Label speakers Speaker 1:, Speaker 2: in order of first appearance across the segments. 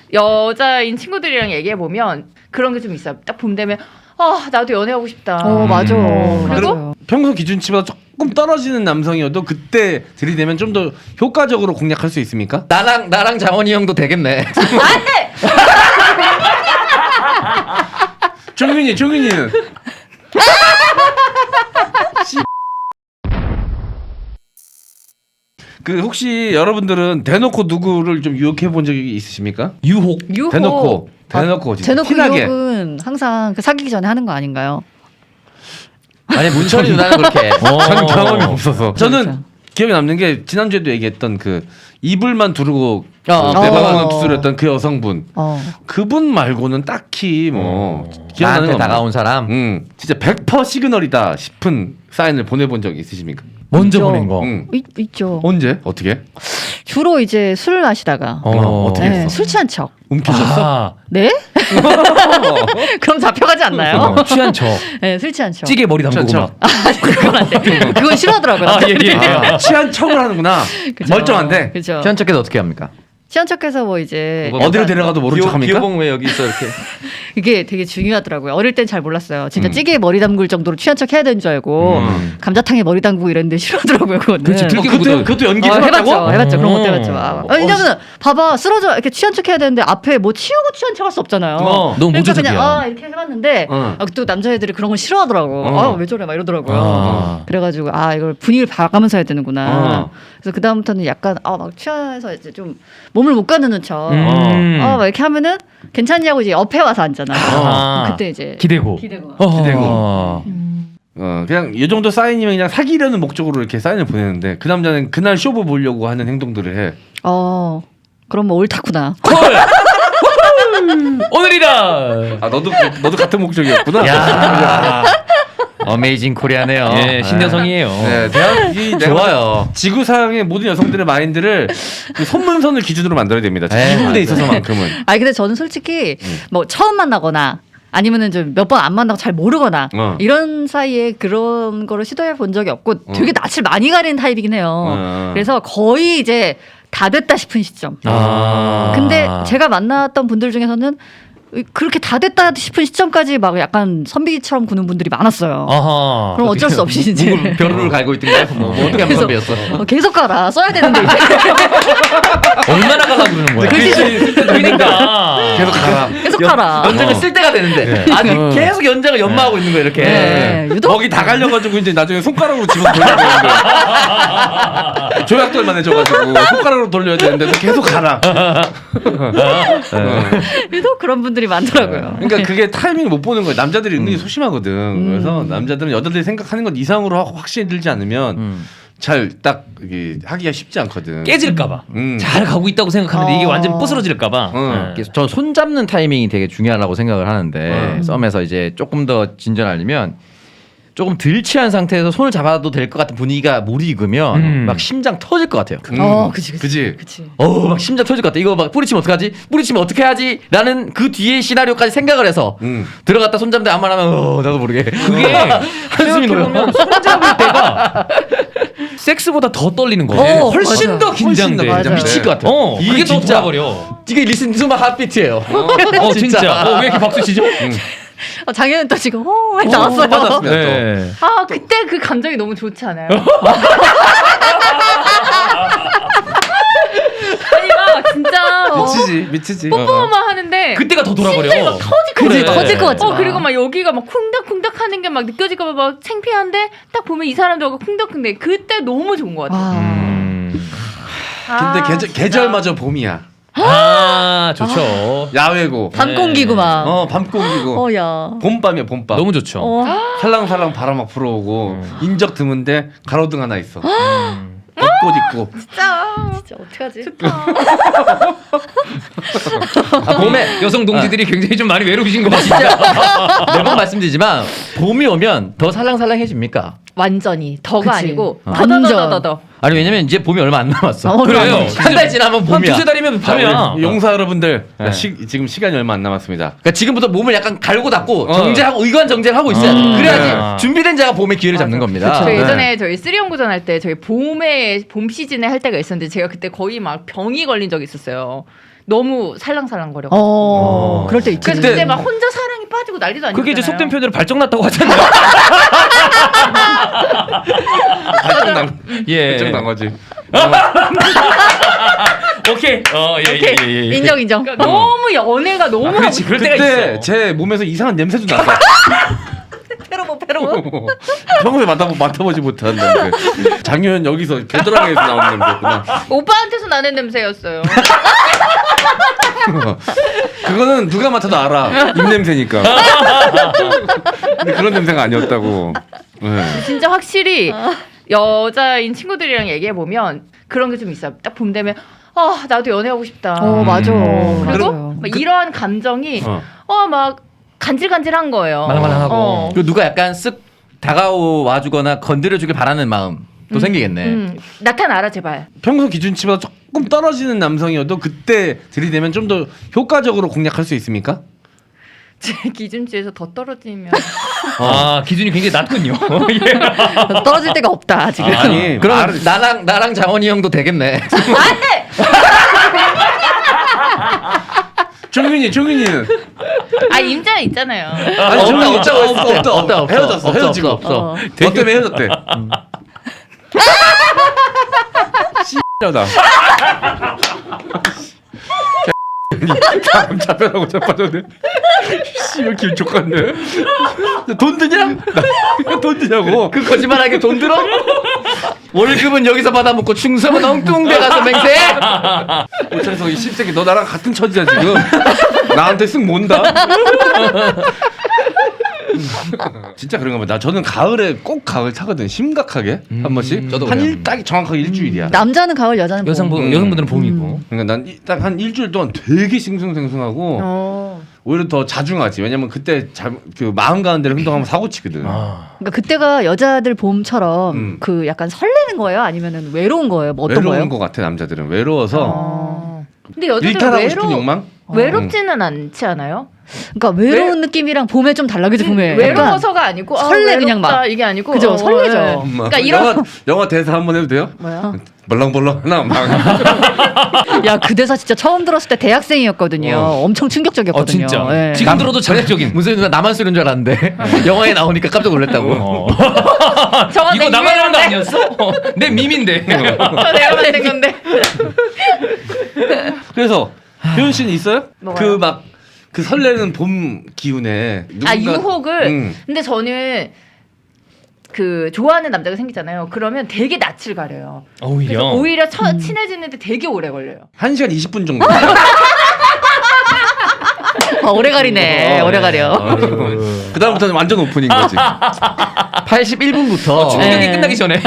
Speaker 1: 여자인 친구들이랑 얘기해 보면 그런 게 좀 있어요. 딱 봄 되면 나도 연애하고 싶다.
Speaker 2: 맞아.
Speaker 1: 그리고
Speaker 3: 평소 기준치보다 조금 떨어지는 남성이어도 그때 들이대면 좀 더 효과적으로 공략할 수 있습니까?
Speaker 4: 나랑 장원이 형도 되겠네.
Speaker 1: 안돼.
Speaker 3: 종윤이는 그 혹시 여러분들은 대놓고 누구를 좀 유혹해 본 적이 있으십니까?
Speaker 2: 유혹.
Speaker 3: 대놓고 진짜
Speaker 2: 대놓고
Speaker 3: 티나게.
Speaker 2: 유혹은 항상 그 사귀기 전에 하는 거 아닌가요?
Speaker 4: 아니 문철이 누나는 그렇게.
Speaker 3: 저는 경험이 없어서. 저는
Speaker 2: 그렇죠.
Speaker 3: 기억에 남는 게 지난주에도 얘기했던 그 이불만 두르고
Speaker 4: 어.
Speaker 3: 내 방을 두드렸던 그 여성분.
Speaker 2: 어.
Speaker 3: 그분 말고는 딱히 뭐 기억나는
Speaker 4: 나한테
Speaker 3: 거
Speaker 4: 다가온 사람.
Speaker 3: 진짜 100% 시그널이다 싶은 사인을 보내본 적이 있으십니까?
Speaker 5: 먼저
Speaker 2: 있죠.
Speaker 5: 보낸 거.
Speaker 2: 있죠.
Speaker 3: 언제? 어떻게?
Speaker 2: 주로 이제 술 마시다가
Speaker 3: 어떻게 했어?
Speaker 2: 술 취한 척.
Speaker 3: 움켜졌어?
Speaker 5: 아,
Speaker 2: 네? 그럼 잡혀가지 않나요?
Speaker 5: 취한 척.
Speaker 2: 네, 술 취한 척.
Speaker 5: 찌개 머리 담그고
Speaker 3: 취한
Speaker 5: 막.
Speaker 2: 그건 안 돼. 그건 싫어하더라고요. 남자들이.
Speaker 3: 취한 척을 하는구나.
Speaker 2: 그죠.
Speaker 3: 멀쩡한데.
Speaker 2: 그죠.
Speaker 4: 취한 척해서 어떻게 합니까?
Speaker 2: 취한 척해서 뭐 이제
Speaker 3: 어디로 데려가도 모른 척합니까?
Speaker 4: 기호봉 왜 여기 있어 이렇게?
Speaker 2: 이게 되게 중요하더라고요. 어릴 땐 잘 몰랐어요. 진짜 찌개에 머리 담글 정도로 취한 척 해야 되는 줄 알고 감자탕에 머리 담그고 이랬는데 싫어하더라고요. 그거는.
Speaker 3: 그것도 연기
Speaker 2: 해봤죠. 해봤죠. 그런 것도
Speaker 3: 음.
Speaker 2: 해봤죠. 왜냐면 봐봐 쓰러져 이렇게 취한 척 해야 되는데 앞에 뭐 치우고 취한 척 할 수 없잖아요.
Speaker 5: 너무
Speaker 2: 그러니까
Speaker 5: 모조적이야.
Speaker 2: 그냥 이렇게 해봤는데 또 남자애들이 그런 걸 싫어하더라고. 왜 저래 막 이러더라고요. 그래가지고 이걸 분위기를 봐가면서 해야 되는구나. 그래서 그 다음부터는 약간 막 취해서 이제 좀 몸을 못 가누는 척. 막 이렇게 하면은 괜찮냐고 이제 옆에 와서 앉잖아. 그때 이제
Speaker 5: 기대고.
Speaker 3: 기대고. 그냥 이 정도 사인이면 그냥 사귀려는 목적으로 이렇게 사인을 보내는데 그 남자는 그날 쇼부 보려고 하는 행동들을 해.
Speaker 2: 그럼 뭐 옳다구나.
Speaker 5: 오늘이다.
Speaker 3: 너도 같은 목적이었구나.
Speaker 5: 야.
Speaker 4: 어메이징 코리아네요.
Speaker 5: 예, 신여성이에요.
Speaker 3: 네, 내가
Speaker 4: 좋아요.
Speaker 3: 지구상의 모든 여성들의 마인드를 그 손문선을 기준으로 만들어야 됩니다. 지구에 있어서만큼은.
Speaker 2: 근데 저는 솔직히 뭐 처음 만나거나 아니면은 좀 몇 번 안 만나고 잘 모르거나 이런 사이에 그런 거를 시도해 본 적이 없고 되게 낯을 많이 가리는 타입이긴 해요. 그래서 거의 이제 다 됐다 싶은 시점. 근데 제가 만났던 분들 중에서는 그렇게 다 됐다 싶은 시점까지 막 약간 선비처럼 구는 분들이 많았어요.
Speaker 5: 아하.
Speaker 2: 그럼 어쩔 수 없이 이제
Speaker 4: 벼루를 갈고 있든가 뭐 어떻게 하면 선배였어?
Speaker 2: 계속 가라 써야 되는데 이제
Speaker 5: 얼마나 가려고 그러는 거야? 그러니까.
Speaker 3: 계속 가라.
Speaker 2: 계속 가라.
Speaker 4: 연장을 쓸 때가 되는데 아직 계속 연장을 연마하고 있는 거야 이렇게.
Speaker 2: 네, 유독
Speaker 3: 거기 다 갈려가지고 이제 나중에 손가락으로 집어 돌려야 되는데 조약돌만 해줘가지고 손가락으로 돌려야 되는데도 계속 가라.
Speaker 2: 유독 그런 분들이 많더라고요.
Speaker 3: 그러니까 그게 타이밍을 못 보는 거예요. 남자들이 은근히 소심하거든. 그래서 남자들은 여자들이 생각하는 것 이상으로 확신이 들지 않으면 잘 딱 하기가 쉽지 않거든.
Speaker 5: 깨질까봐. 잘 가고 있다고 생각하는데 이게 완전 부스러질까봐. 네.
Speaker 4: 저 손 잡는 타이밍이 되게 중요하다고 생각을 하는데 썸에서 이제 조금 더 진전하려면 조금 덜 취한 상태에서 손을 잡아도 될 것 같은 분위기가 무르익으면 막 심장 터질 것 같아요.
Speaker 3: 그지.
Speaker 4: 막 심장 터질 것 같아. 이거 막 뿌리치면 어떡하지? 뿌리치면 어떻게 하지? 라는 그 뒤에 시나리오까지 생각을 해서 들어갔다 손 잡는데 아무 말 하면 나도 모르게
Speaker 5: 그게
Speaker 4: 한숨이 놓여.
Speaker 5: 손 잡을 때가 섹스보다 더 떨리는 거예요. 훨씬
Speaker 2: 맞아.
Speaker 5: 더 긴장돼.
Speaker 2: 훨씬 더
Speaker 4: 미칠 것 같아.
Speaker 5: 이게 더
Speaker 4: 진짜
Speaker 5: 돌아버려.
Speaker 4: 이게 리슨 투 마 핫비트예요.
Speaker 5: 진짜. 왜 이렇게 박수 치죠?
Speaker 2: 장현은 또 지금 나왔어요.
Speaker 3: 받았습니다.
Speaker 5: 네.
Speaker 1: 그때 그 감정이 너무 좋지 않아요? 아니 막 진짜
Speaker 3: 미치지.
Speaker 1: 뽀뽀만 하는데
Speaker 5: 그때가 더 돌아버려.
Speaker 1: 심장이 막 터질 것
Speaker 2: 그지
Speaker 1: 같아.
Speaker 2: 터질 것 같지.
Speaker 1: 그리고 막 여기가 막 쿵닥쿵닥 하는 게 막 느껴질까 봐 막 창피한데 딱 보면 이 사람도 쿵닥쿵닥. 그때 너무 좋은 것 같아.
Speaker 3: 근데 계절마저 봄이야.
Speaker 5: 좋죠.
Speaker 3: 야외고.
Speaker 2: 밤 공기고 막.
Speaker 3: 밤 공기고.
Speaker 2: 야.
Speaker 3: 봄밤이야 봄밤.
Speaker 5: 너무 좋죠.
Speaker 3: 살랑살랑 바람 막 불어오고 인적 드문데 가로등 하나 있어. 벚꽃 있고.
Speaker 2: 진짜 어떡하지?
Speaker 4: 봄에
Speaker 5: 여성 동지들이 굉장히 좀 많이 외로우신 것 같아요.
Speaker 4: 진짜 매번 말씀드리지만 봄이 오면 더 살랑살랑해집니까?
Speaker 1: 완전히 더가
Speaker 2: 그치.
Speaker 1: 아니고
Speaker 2: 완전.
Speaker 1: 더더더더더.
Speaker 4: 아니 왜냐면 이제 봄이 얼마 안 남았어.
Speaker 5: 그래요.
Speaker 4: 한 달 지나면
Speaker 5: 한
Speaker 4: 봄이야.
Speaker 5: 두세 달이면 밤이야.
Speaker 3: 우리 용사 여러분들
Speaker 4: 네.
Speaker 3: 지금 시간이 얼마 안 남았습니다.
Speaker 4: 그러니까 지금부터 몸을 약간 갈고 닦고 정제하고 의관 정제를 하고 있어야 돼. 그래야지 준비된 자가 봄에 기회를 잡는 겁니다.
Speaker 1: 저
Speaker 4: 네.
Speaker 1: 예전에 저희 쓰리연구전 할 때 저희 봄 시즌에 할 때가 있었는데 제가 그때 거의 막 병이 걸린 적이 있었어요. 너무 살랑살랑거려.
Speaker 2: 그럴 때 있지.
Speaker 1: 그래서 그때 막 혼자 사랑이 빠지고 난리도 아니잖아요.
Speaker 5: 그게 이제 속된 표현으로 발정났다고 하잖아요.
Speaker 3: 발정난 거지.
Speaker 5: 오케이. 예.
Speaker 2: 인정.
Speaker 1: 그러니까 너무 연애가 너무
Speaker 5: 그렇지. 그럴 때가
Speaker 3: 그때
Speaker 5: 있어.
Speaker 3: 제 몸에서 이상한 냄새도 났어.
Speaker 2: 페로몬.
Speaker 3: 평소에 맡아보지 못한 냄새. 작년 여기서 겨드랑이에서 나온 냄새구나.
Speaker 1: 오빠한테서 나는 냄새였어요.
Speaker 3: 그거는 누가 맡아도 알아. 입 냄새니까. 근데 그런 냄새가 아니었다고. 네.
Speaker 1: 진짜 확실히 여자인 친구들이랑 얘기해 보면 그런 게 좀 있어요. 딱 봄 되면 나도 연애하고 싶다.
Speaker 2: 맞아.
Speaker 1: 그리고
Speaker 2: 맞아요.
Speaker 1: 막 이러한 감정이 막 간질간질한 거예요.
Speaker 5: 말랑말랑하고.
Speaker 4: 그리고 누가 약간 쓱 다가와주거나 건드려주길 바라는 마음 또 생기겠네.
Speaker 1: 나타나라 제발.
Speaker 3: 평소 기준치보다 조금 떨어지는 남성이어도 그때 들이대면 좀 더 효과적으로 공략할 수 있습니까?
Speaker 1: 제 기준치에서 더 떨어지면
Speaker 5: 기준이 굉장히 낮군요.
Speaker 2: 떨어질 데가 없다 지금.
Speaker 3: 아니
Speaker 4: 그럼 나랑 장원이 형도 되겠네.
Speaker 3: 종윤이는
Speaker 1: 임자 있잖아요.
Speaker 3: 아니 종윤이 없다 헤어졌어 헤어지고
Speaker 4: 없어.
Speaker 3: 너 때문에 헤어졌대. 씨X다. 다음 잡혀라고 자빠졌네. 씨발 기분 좋겠네. 돈 드냐? 돈 드냐고.
Speaker 4: 그 거짓말하게 돈 들어? 월급은 여기서 받아먹고 충성은 엉뚱대 가서 맹세?
Speaker 3: 그래서 이 씹새끼 너 나랑 같은 처지야 지금. 나한테 쓱 몬다. 진짜 그런가 봐. 저는 가을에 꼭 가을 타거든. 심각하게 한 번씩.
Speaker 4: 저도
Speaker 3: 한
Speaker 4: 그래요.
Speaker 3: 딱 정확하게 일주일이야.
Speaker 2: 남자는 가을, 여자는 봄.
Speaker 5: 여성분들은 봄이고.
Speaker 3: 그러니까 난 딱 한 일주일 동안 되게 싱숭생숭하고 오히려 더 자중하지. 왜냐면 그때 그 마음 가는 데를 행동하면 사고 치거든.
Speaker 2: 그러니까 그때가 여자들 봄처럼 그 약간 설레는 거예요? 아니면은 외로운 거예요? 뭐 어떤
Speaker 3: 외로운
Speaker 2: 거예요?
Speaker 3: 것 같아 남자들은. 외로워서
Speaker 1: 근데 여자들
Speaker 3: 일탈하고 싶은 욕망?
Speaker 1: 외롭지는 않지 않아요?
Speaker 2: 그러니까 외로운 느낌이랑 봄에 좀 달라지죠. 봄에.
Speaker 1: 외로워서가 아니고
Speaker 2: 설레 그냥 막.
Speaker 1: 이게 아니고
Speaker 2: 그죠, 설레죠.
Speaker 1: 네. 그러니까 이런
Speaker 3: 영화 대사 한번 해도 돼요?
Speaker 2: 뭐야?
Speaker 3: 벌렁벌렁 하나 막.
Speaker 2: 야, 그 대사 진짜 처음 들었을 때 대학생이었거든요. 엄청 충격적이었거든요.
Speaker 5: 진짜.
Speaker 2: 예.
Speaker 5: 지금 들어도 자극적인.
Speaker 4: 무슨 누나 나만 쓰는 줄 알았는데 영화에 나오니까 깜짝 놀랐다고.
Speaker 1: 저거
Speaker 5: 이거 나만 하는 거 아니었어? 내 밈인데.
Speaker 1: 저 내가 만든 건데.
Speaker 3: 그래서 효연 씨는 있어요?
Speaker 1: 뭐가요?
Speaker 3: 그 설레는 봄 기운에
Speaker 1: 유혹을. 근데 저는 그 좋아하는 남자가 생기잖아요. 그러면 되게 낯을 가려요. 그래서 오히려 친해지는데 되게 오래 걸려요.
Speaker 3: 1시간 20분 정도.
Speaker 2: 오래 가리네. 오래 가려.
Speaker 3: 그다음부터는 완전 오픈인 거지.
Speaker 4: 81분부터
Speaker 5: 충격이 끝나기 전에.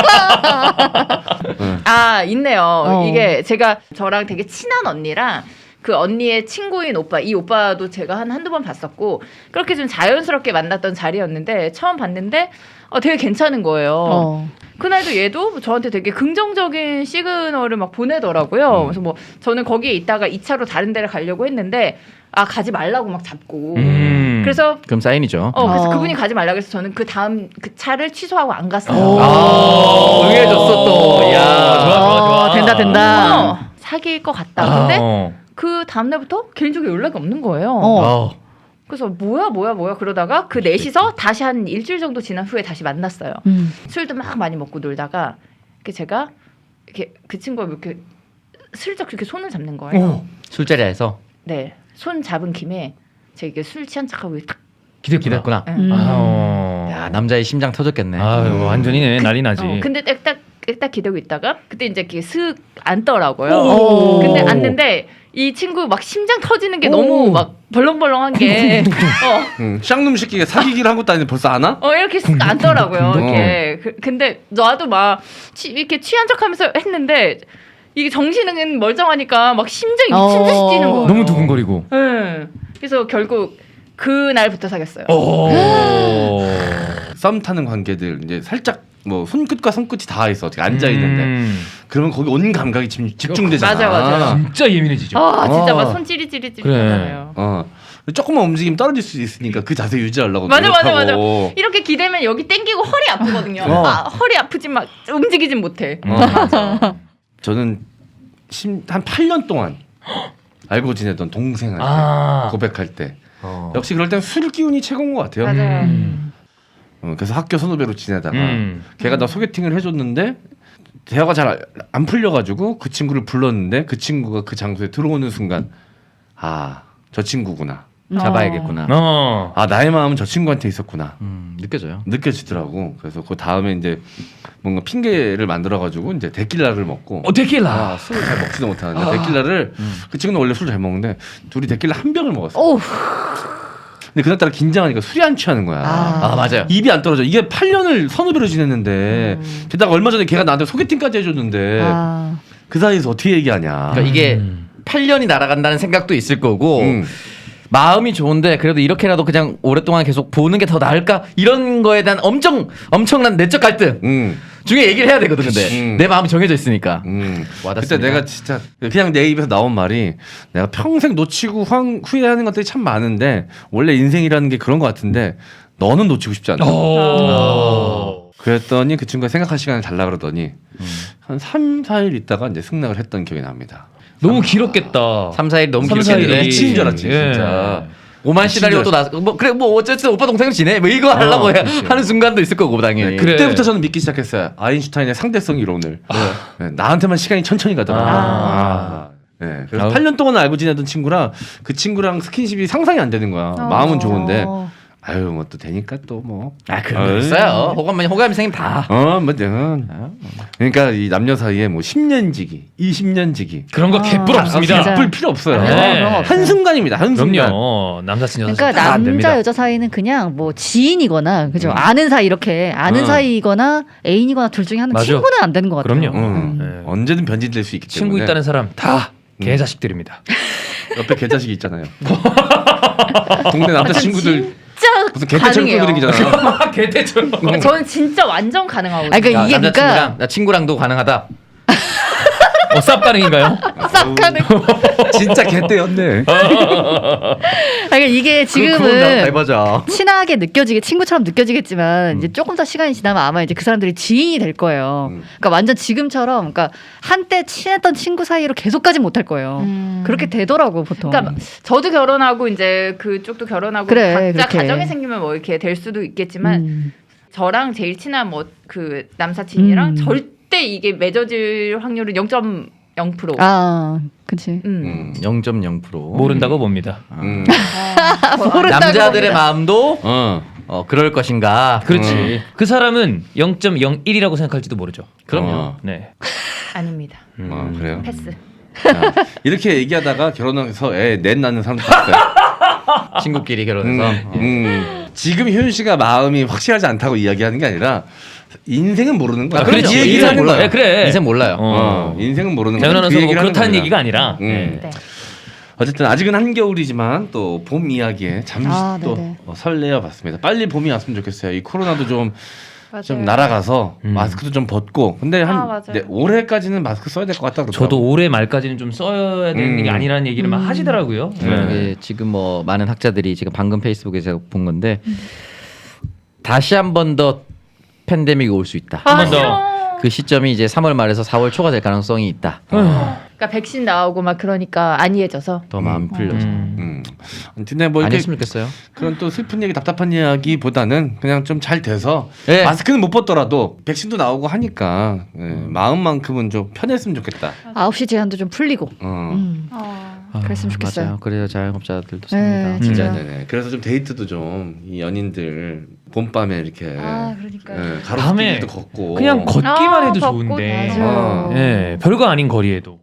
Speaker 1: 있네요. 이게 제가 저랑 되게 친한 언니랑 그 언니의 친구인 오빠, 이 오빠도 제가 한두 번 봤었고 그렇게 좀 자연스럽게 만났던 자리였는데 처음 봤는데 되게 괜찮은 거예요. 그날도 얘도 저한테 되게 긍정적인 시그널을 막 보내더라고요. 그래서 뭐 저는 거기에 있다가 2차로 다른 데를 가려고 했는데 가지 말라고 막 잡고 그래서
Speaker 4: 그럼 사인이죠.
Speaker 1: 그래서 그분이 가지 말라고 해서 저는 그 다음 그 차를 취소하고 안 갔어요.
Speaker 4: 응해줬어 또. 야,
Speaker 5: 좋아.
Speaker 2: 된다.
Speaker 1: 사귈 것 같다. 근데 그 다음날부터 개인적으로 연락이 없는 거예요. 그래서 뭐야 그러다가 그 넷이서 다시 한 일주일 정도 지난 후에 다시 만났어요. 술도 막 많이 먹고 놀다가 제가 이렇게 그 친구가 이렇게 슬쩍 이렇게 손을 잡는 거예요.
Speaker 4: 술자리에서
Speaker 1: 네, 손 잡은 김에 제가 이게 술 취한 척하고 탁
Speaker 4: 기대했구나. 야, 남자의 심장 터졌겠네.
Speaker 5: 완전히 난리 나지.
Speaker 1: 근데 딱 기대고 있다가 그때 이제 이렇게 슥 앉더라고요. 근데 앉는데 이 친구 막 심장 터지는 게 너무 막 벌렁벌렁한 게
Speaker 3: 쌍놈 새끼가 사귀기를 한 것도 아닌데 벌써 아나?
Speaker 1: 이렇게 쓱 앉더라고요. 이렇게 근데 나도 막 이렇게 취한 척하면서 했는데 이게 정신은 멀쩡하니까 막 심장이 미친 듯이 뛰는 거예요.
Speaker 5: 너무 두근거리고.
Speaker 1: 네. 그래서 결국 그날부터 사귀었어요.
Speaker 3: 썸 타는 관계들 이제 살짝 뭐 손끝과 손끝이 닿아 있어. 어떻게 앉아 있는데 그러면 거기 온 감각이 집중되잖아.
Speaker 1: 맞아.
Speaker 5: 진짜 예민해지죠.
Speaker 1: 진짜 막 손 찌릿찌릿 하잖아요.
Speaker 3: 조금만 움직이면 떨어질 수 있으니까 그 자세 유지하려고
Speaker 1: 맞아.
Speaker 3: 노력하고.
Speaker 1: 이렇게 기대면 여기 땡기고 허리 아프거든요. 허리 아프지 막 움직이진 못해.
Speaker 3: 저는 한 8년 동안 알고 지내던 동생한테 고백할 때 역시 그럴 땐 술 기운이 최고인 것 같아요.
Speaker 1: 맞아요.
Speaker 3: 그래서 학교 선후배로 지내다가 걔가 나 소개팅을 해줬는데 대화가 잘 안 풀려가지고 그 친구를 불렀는데 그 친구가 그 장소에 들어오는 순간 아, 저 친구구나.
Speaker 4: 잡아야겠구나.
Speaker 3: 아, 나의 마음은 저 친구한테 있었구나.
Speaker 4: 느껴져요.
Speaker 3: 느껴지더라고. 그래서 그 다음에 이제 뭔가 핑계를 만들어가지고 이제 데킬라를 먹고.
Speaker 5: 데킬라.
Speaker 3: 아, 술을 잘 먹지도 못하는데 데킬라를 그 친구는 원래 술을 잘 먹는데 둘이 데킬라 한 병을 먹었어.
Speaker 2: 오.
Speaker 3: 근데 그날따라 긴장하니까 술이 안 취하는 거야.
Speaker 4: 아 맞아요.
Speaker 3: 입이 안 떨어져. 이게 8년을 선후배로 지냈는데 게다가 얼마 전에 걔가 나한테 소개팅까지 해줬는데 그 사이에서 어떻게 얘기하냐.
Speaker 4: 그러니까 이게 8년이 날아간다는 생각도 있을 거고 마음이 좋은데 그래도 이렇게라도 그냥 오랫동안 계속 보는 게 더 나을까 이런 거에 대한 엄청난 내적 갈등 중에 얘기를 해야 되거든. 근데 내 마음이 정해져 있으니까 와닿습니다.
Speaker 3: 그때 내가 진짜 그냥 내 입에서 나온 말이 내가 평생 놓치고 후회하는 것들이 참 많은데 원래 인생이라는 게 그런 것 같은데 너는 놓치고 싶지 않다. 그랬더니 그 친구가 생각할 시간을 달라 그러더니 한 3, 4일 있다가 이제 승낙을 했던 기억이 납니다.
Speaker 5: 너무 길었겠다.
Speaker 4: 3, 4일 너무
Speaker 5: 3,
Speaker 4: 길었겠네.
Speaker 5: 4일이.
Speaker 3: 미친 줄 알았지
Speaker 5: 예.
Speaker 3: 진짜.
Speaker 4: 오만 시나리오 또 나서 뭐 그래 뭐 어쨌든 오빠 동생을 지내 뭐 이거 하려고 하는 순간도 있을 거고 당연히.
Speaker 5: 그래.
Speaker 3: 그때부터 저는 믿기 시작했어요. 아인슈타인의 상대성 이론을. 네, 나한테만 시간이 천천히 가더라고요. 네, 그래서 8년 동안 알고 지내던 친구랑 그 친구랑 스킨십이 상상이 안 되는 거야. 마음은 좋은데 아유 뭐 또 되니까 또 뭐.
Speaker 4: 아 그런 거 있어요. 호감이 생기면 다.
Speaker 3: 뭐 그러니까 이 남녀 사이에 뭐 10년지기, 20년지기
Speaker 5: 그런 거 개뿔 없습니다.
Speaker 3: 바쁠 필요 없어요.
Speaker 5: 네.
Speaker 3: 한 순간입니다. 한 순간.
Speaker 5: 그럼요. 남사친 여사친
Speaker 2: 그러니까
Speaker 5: 다안 됩니다.
Speaker 2: 남자 여자 사이는 그냥 뭐 지인이거나 그죠 아는 사이 이렇게 아는 사이이거나 애인이거나 둘 중에 하나
Speaker 5: 맞아.
Speaker 2: 친구는 안 되는 것 같아요.
Speaker 5: 그럼요. 네.
Speaker 3: 언제든 변질될 수 있기 때문에.
Speaker 5: 친구 있다는 사람 다 개자식들입니다.
Speaker 3: 옆에 개자식이 있잖아요. 동네 남자 친구들
Speaker 1: 진짜
Speaker 3: 무슨 개떼처럼
Speaker 1: 가능해요.
Speaker 3: 끌어다니잖아.
Speaker 5: 개떼처럼.
Speaker 1: 저는 진짜 완전 가능하거든요.
Speaker 2: 아니, 그러니까 이게
Speaker 4: 남자친구랑 나 친구랑도 가능하다.
Speaker 5: 쌉 가능인가요?
Speaker 2: 싹 가는.
Speaker 3: 진짜 개떼였네.
Speaker 2: 그러니까 이게 지금은
Speaker 4: 해보자.
Speaker 2: 친하게 느껴지게 친구처럼 느껴지겠지만 이제 조금 더 시간이 지나면 아마 이제 그 사람들이 지인이 될 거예요. 그러니까 완전 지금처럼 그러니까 한때 친했던 친구 사이로 계속 가지 못할 거예요. 그렇게 되더라고 보통.
Speaker 1: 그러니까 저도 결혼하고 이제 그쪽도 결혼하고
Speaker 2: 그래,
Speaker 1: 각자
Speaker 2: 그렇게.
Speaker 1: 가정이 생기면 뭐 이렇게 될 수도 있겠지만 저랑 제일 친한 뭐 그 남사친이랑 절대 이게 맺어질 확률은 0.0%.
Speaker 2: 아, 그렇지.
Speaker 4: 0.0%.
Speaker 5: 모른다고 봅니다.
Speaker 2: 모른다고
Speaker 4: 남자들의
Speaker 2: 봅니다.
Speaker 4: 마음도 그럴 것인가.
Speaker 5: 그렇지. 그 사람은 0.01이라고 생각할지도 모르죠.
Speaker 3: 그럼요.
Speaker 5: 네.
Speaker 1: 아닙니다.
Speaker 3: 그래요.
Speaker 1: 패스.
Speaker 3: 자, 이렇게 얘기하다가 결혼해서 애 넷 낳는 사람도 있어요.
Speaker 4: 친구끼리 결혼해서.
Speaker 3: 지금 효윤 씨가 마음이 확실하지 않다고 이야기하는 게 아니라 인생은 모르는 거야.
Speaker 5: 그렇지.
Speaker 3: 이 얘기를
Speaker 5: 인생
Speaker 3: 하는
Speaker 5: 몰라요.
Speaker 3: 거야.
Speaker 5: 그래.
Speaker 4: 인생 몰라요.
Speaker 3: 인생은 모르는 거야.
Speaker 5: 재현 아나운서 뭐 그렇다는
Speaker 3: 하는
Speaker 5: 얘기가 아니라.
Speaker 1: 네.
Speaker 3: 어쨌든 아직은 한겨울이지만 또 봄 이야기에 잠시 또
Speaker 2: 네네.
Speaker 3: 설레어 봤습니다. 빨리 봄이 왔으면 좋겠어요. 이 코로나도 좀
Speaker 1: 맞아요.
Speaker 3: 날아가서 마스크도 좀 벗고. 근데
Speaker 1: 맞아요.
Speaker 3: 올해까지는 마스크 써야 될 것 같다 그러더라고요.
Speaker 5: 저도 올해 말까지는 좀 써야 되는 게 아니라는 얘기를 막 하시더라고요.
Speaker 4: 이게 지금 뭐 많은 학자들이 지금 방금 페이스북에서 본 건데 다시 한 번 더 팬데믹이 올 수 있다.
Speaker 5: 한 번 더.
Speaker 4: 그 시점이 이제 3월 말에서 4월 초가 될 가능성이 있다.
Speaker 1: 그러니까 백신 나오고 막 그러니까 안이해져서.
Speaker 4: 더 마음이 풀려서.
Speaker 3: 근데 뭐
Speaker 4: 안
Speaker 3: 이렇게
Speaker 4: 했으면 좋겠어요.
Speaker 3: 그런 또 슬픈 얘기, 답답한 이야기보다는 그냥 좀 잘 돼서
Speaker 4: 네.
Speaker 3: 마스크는 못 벗더라도 백신도 나오고 하니까 마음만큼은 좀 편했으면 좋겠다.
Speaker 2: 9시 제한도 좀 풀리고. 그랬으면 좋겠어요.
Speaker 4: 맞아요. 그래요. 자영업자들도
Speaker 2: 네,
Speaker 4: 씁니다.
Speaker 2: 진짜.
Speaker 3: 네네. 그래서 좀 데이트도 좀 이 연인들 봄밤에 이렇게
Speaker 1: 그러니까요.
Speaker 3: 가로수길도
Speaker 5: 밤에
Speaker 3: 걷고
Speaker 5: 그냥 걷기만 해도
Speaker 1: 걷고,
Speaker 5: 좋은데.
Speaker 1: 맞아요.
Speaker 5: 예, 별거 아닌 거리에도.